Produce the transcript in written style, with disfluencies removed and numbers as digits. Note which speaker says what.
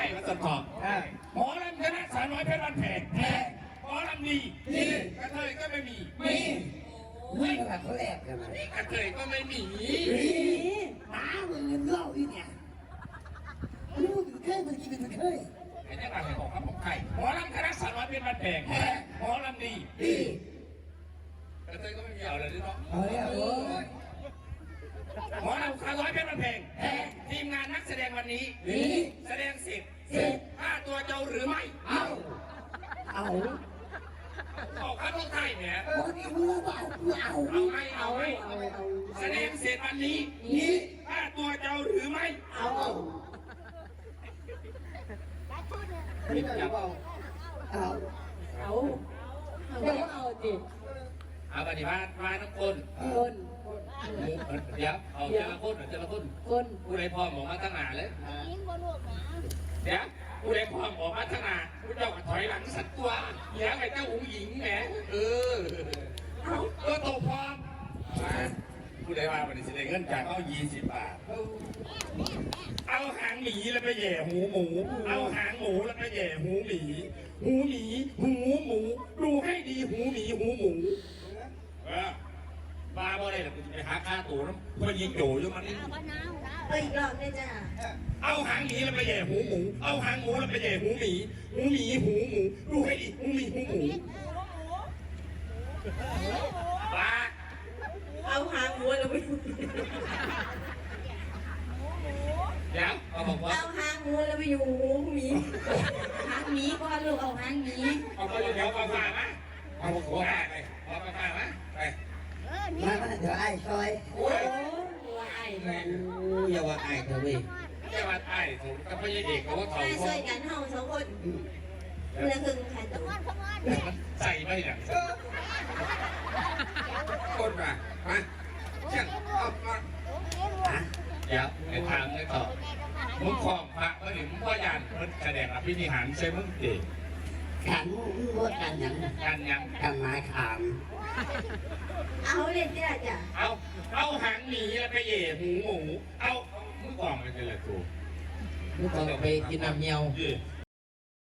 Speaker 1: มาสดขอบหมอลำคณะสาวน้อยเพชรบ้านแพงหมอลำดีกระเทยก็ไม่มี
Speaker 2: ไม่แบบเขาแอบกันไหม
Speaker 1: กระเทยก็ไม่มี
Speaker 2: หมามึงเงินเล่าอีเนี่ยลูกเคยมันกินเป็นเคย
Speaker 1: ไอ้เนี่ยอะไรของครับผมไข่หมอลำคณะสาวน้อยเพชรบ้านแพงหมอลำดีกระเทยก็ไม่มีเอาเลยดิเนาะ
Speaker 2: เอาเลยโอ้ย
Speaker 1: หมอลำคณะสาวน้อยเพชรบ้านแพงทีมงานนักแสดงวันนี้แสดงเสร็จค่าตัวเจ้าหรือไม่เอาข้าต้องไทยเนี่ยเอาไม่แสดงเสร็จวันนี้ค่าตัวเจ้าหรือไม่เอา
Speaker 2: ไม่เอา
Speaker 1: จิเอาปฏิบัติมาทั้งคนเดี๋ยวเอาเจริญคนผู้ใดพร้อมออกมาตั้งหนาเลยเดี๋ยวผู้ใดพร้อมออกมาตั้งหนาผู้เจ้าก็ถอยหลังสักตัวเดี๋ยวไอ้เจ้าหงหญิงแหมก็ตกพร้อมผู้ใดว่าวันนี้สิได้เงินจากเอา20 บาทเอาหางหมีแล้วไปแย่หูหมูเอาหางหมูแล้วไปแย่หูหมีหูหมูดูให้ดีหูหมีหูหมูบ้าบ่ได้หรอกไปหาค่าตัวน้ำมันยิงโจอยู่มันนี่
Speaker 3: อีกรอบเลยจ้ะ
Speaker 1: เอาหางหมีแล้วไปแย่หูหมูเอาหางหมูแล้วไปแย่หูหมีหูหมูดูให้ดีหูหมูบ้า
Speaker 3: เอาหางวัวแล้วไป
Speaker 1: เดี๋ยวเอาบอกว่า
Speaker 3: เอาหางวัวแล้วไปอยู่หูหมีหางหมีก็ลูกเอาหางหมี
Speaker 1: เอาไปอยู่แถวกาแฟไหมเอาหัวไปเอากาแฟไหมไป
Speaker 2: มาเดี๋ยวไอ้ซอย
Speaker 3: โอ้ยไอ้แมน
Speaker 2: อย่าว่าไอ้เถอะเว้ย
Speaker 1: อย่าว่าไอ้ผมกับพี่เด็กเขาว่าเขา
Speaker 3: ช่วยกันเฮา2 คนคนละครึ่งค่ะตัว
Speaker 1: ใส่ไม่เนี่ยคนมาเช่นเดี๋ยวไอ้ทางไอ้ต่อมึงคลองพระเมื่อหนึ่งมึงพ่อยานมึงแสดงอภินิหารใช่มึงเด็ก
Speaker 2: ขันว่ากันยังกันไม้ขาม
Speaker 3: เอาเล่นจ้ะจ้ะ
Speaker 1: เอาหางหมีแล้วไปแย่หูหมูเอามึงกล่องไปเลยกู
Speaker 2: มึงกล่องไปกินน้ำเงี้ยว